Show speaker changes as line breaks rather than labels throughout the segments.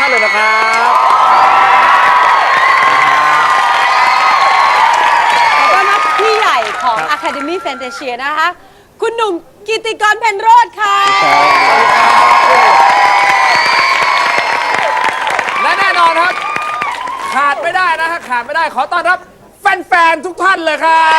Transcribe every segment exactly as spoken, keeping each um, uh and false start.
เลยนะครับ
ขอต้อนรับพี่ใหญ่ของ Academy Fantasia นะคะคุณหนุ่มกิตติกรเพ็ญโรจน์ค่ะ
และแน่นอนครับขาดไม่ได้นะฮะขาดไม่ได้ขอต้อนรับแฟนๆทุกท่านเลยครับ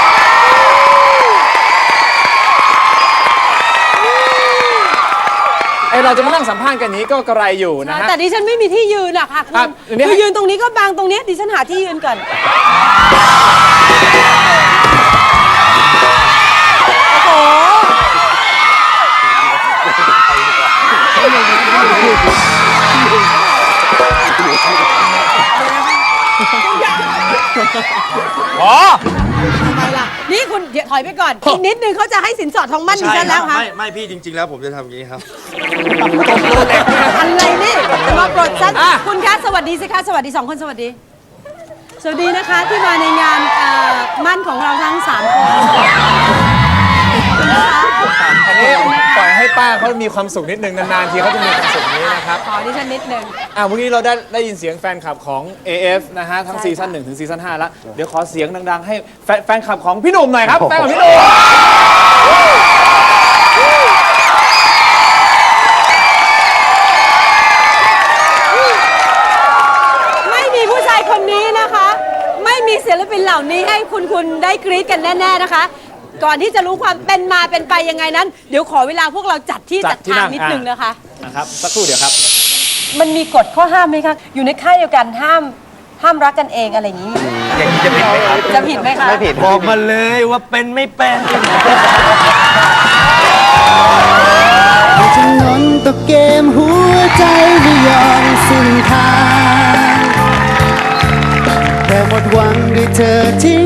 ไอเราจะมานั่งสัมภาษณ์กันนี้ก็กระไรอยู่นะฮะ
แต่ดิฉันไม่มีที่ยืนอะค่ะคุณคือยืนตรงนี้ก็บางตรงนี้ดิฉันหาที่ยืนก่อนโอ้โห
อ๋อ
ทำไมล่ะนี่คุณเดี๋ยวถอยไปก่อนอีกนิดนึงเขาจะให้สินสอดทองมั่นดิฉันแล้วค่ะ
ไม่ไม่พี่จริงๆแล้วผมจะทำอย่างนี้ครับ
อะไรนี่มาโปรดฉันคุณคะสวัสดีสิคะสวัสดีสองคนสวัสดีสวัสดีนะคะที่มาในงานมั่นของเราทั้งสามคน
อันนี้ปล่อยให้ป้าเขามีความสุขนิดนึงนานๆทีเขาจะมีความสุขนี้นะครับ
ขอดิฉันนิดนึง
อ่ะวันนี้เราได้ได้ยินเสียงแฟนคลับของ เอ เอฟ นะฮะทั้งซีซั่นหนึ่งถึงซีซั่นห้าแล้วเดี๋ยวขอเสียงดังๆให้แฟนแฟนคลับของพี่หนุ่มหน่อยครับแฟนของพี่หนุ่ม
ไม่มีผู้ชายคนนี้นะคะไม่มีศิลปินเหล่านี้ให้คุณคุณได้กรี๊ดกันแน่ๆนะคะก่อนที่จะรู้ความเป็นมาเป็นไปยังไงนั้นเดี๋ยวขอเวลาพวกเราจัดที่จัดทางนิดนึงนะคะ
นะครับสักครู่เดี๋ยวครับ
มันมีกฎข้อห้ามไหมคะอยู่ในค่ายเดียวกันห้ามห้ามรักกันเองอะไรอย่างนี้
อย่างนี้จะผิดไหมครับ
จะผิดไหมคะ
ไม่ผิดบอกมาเลยว่าเป็นไม่เป็น
จะนอนตกเกมหัวใจไม่ยอมสิ้นทางแต่หมดหวังด้วยเธอที่